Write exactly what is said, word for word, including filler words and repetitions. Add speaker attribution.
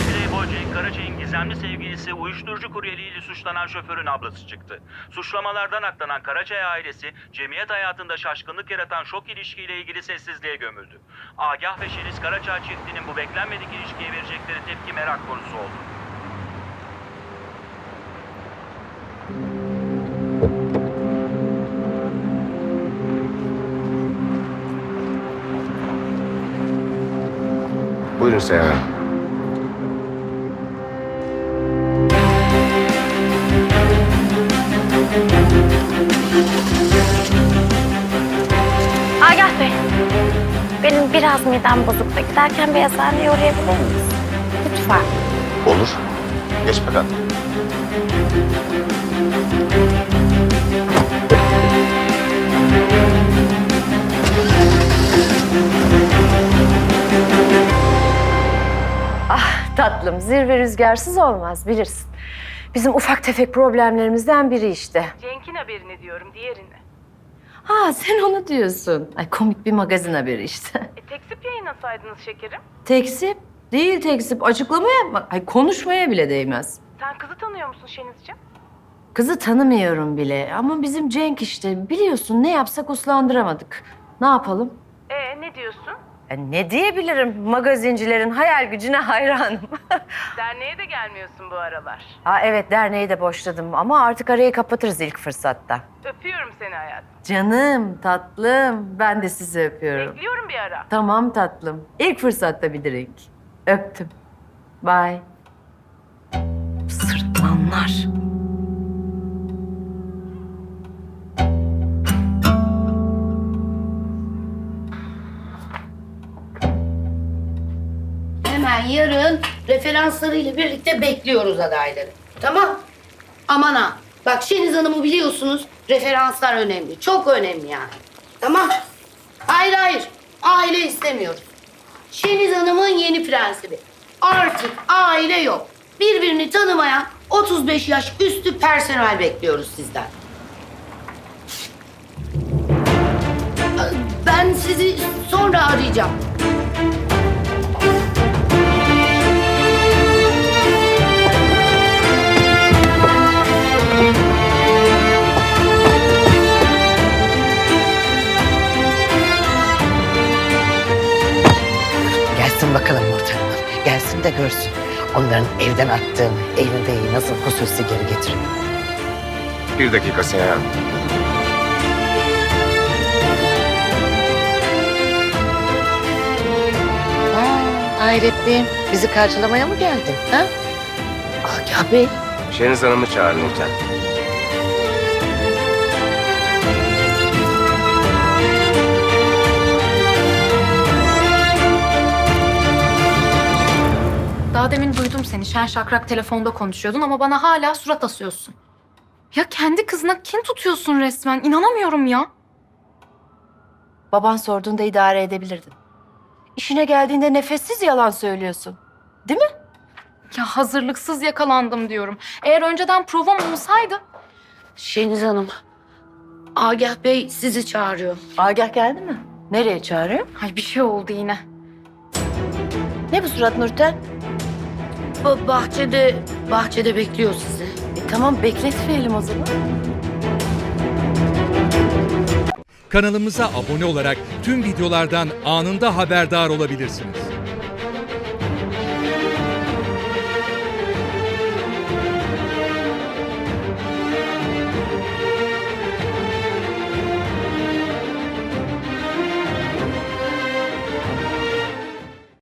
Speaker 1: Playboy Cenk Karaca'nın gizemli sevgilisi uyuşturucu kuryeliğiyle suçlanan şoförün ablası çıktı. Suçlamalardan aklanan Karacay ailesi, cemiyet hayatında şaşkınlık yaratan şok ilişkiyle ilgili sessizliğe gömüldü. Agah ve Şeniz Karaca çiftinin bu beklenmedik ilişkiye verecekleri tepki merak konusu oldu.
Speaker 2: Buyurun Seyhan Hanım.
Speaker 3: Agah Bey, benim biraz midem bozuk da giderken bir eczaneye uğrayabilir miyiz? Lütfen.
Speaker 2: Olur. Geç bakalım.
Speaker 4: Tatlım, zirve rüzgarsız olmaz bilirsin. Bizim ufak tefek problemlerimizden biri işte.
Speaker 5: Cenk'in haberini diyorum, diğerini.
Speaker 4: Ha, sen onu diyorsun. Ay komik bir magazin haberi işte.
Speaker 5: E, tekzip yayınlasaydınız şekerim.
Speaker 4: Tekzip değil tekzip. Açıklama yapma. Ay konuşmaya bile değmez.
Speaker 5: Sen kızı tanıyor musun Şenizciğim?
Speaker 4: Kızı tanımıyorum bile ama bizim Cenk işte. Biliyorsun ne yapsak uslandıramadık. Ne yapalım?
Speaker 5: E ne diyorsun?
Speaker 4: Ya ne diyebilirim? Magazincilerin hayal gücüne hayranım.
Speaker 5: Derneğe de gelmiyorsun bu aralar.
Speaker 4: Ha evet, derneği de boşladım ama artık arayı kapatırız ilk fırsatta.
Speaker 5: Öpüyorum seni hayatım.
Speaker 4: Canım, tatlım. Ben de sizi öpüyorum.
Speaker 5: Bekliyorum bir ara.
Speaker 4: Tamam tatlım. İlk fırsatta bir drink. Öptüm. Bye. Sırtlanlar.
Speaker 6: Hemen yarın referanslarıyla birlikte bekliyoruz adayları. Tamam. Aman ha. Bak Şeniz Hanım'ı biliyorsunuz. Referanslar önemli. Çok önemli yani. Tamam. Hayır hayır. Aile istemiyoruz. Şeniz Hanım'ın yeni prensibi. Artık aile yok. Birbirini tanımayan otuz beş yaş üstü personel bekliyoruz sizden. Ben sizi sonra arayacağım.
Speaker 7: Gelsin bakalım Nurten Hanım. Gelsin de görsün. Onların evden attığım elindeyi nasıl hususi geri getiriyor.
Speaker 2: Bir dakika Seyhan Hanım.
Speaker 7: Ha, hayretliğim. Bizi karşılamaya mı geldin? Ha? Agah Bey.
Speaker 2: Şeniz Hanım'ı çağırın Nurten.
Speaker 8: Daha demin duydum seni. Şen şakrak telefonda konuşuyordun ama bana hala surat asıyorsun. Ya kendi kızına kin tutuyorsun resmen. İnanamıyorum ya.
Speaker 4: Baban sorduğunda idare edebilirdin. İşine geldiğinde nefessiz yalan söylüyorsun. Değil mi?
Speaker 8: Ya hazırlıksız yakalandım diyorum. Eğer önceden provam olsaydı...
Speaker 6: Şeniz Hanım, Agah Bey sizi çağırıyor.
Speaker 4: Agah geldi mi? Nereye çağırıyor?
Speaker 8: Ay bir şey oldu yine.
Speaker 4: Ne bu surat Nurten?
Speaker 6: Ba- bahçede, bahçede bekliyor sizi.
Speaker 4: E, tamam bekletmeyelim o zaman.
Speaker 9: Kanalımıza abone olarak tüm videolardan anında haberdar olabilirsiniz.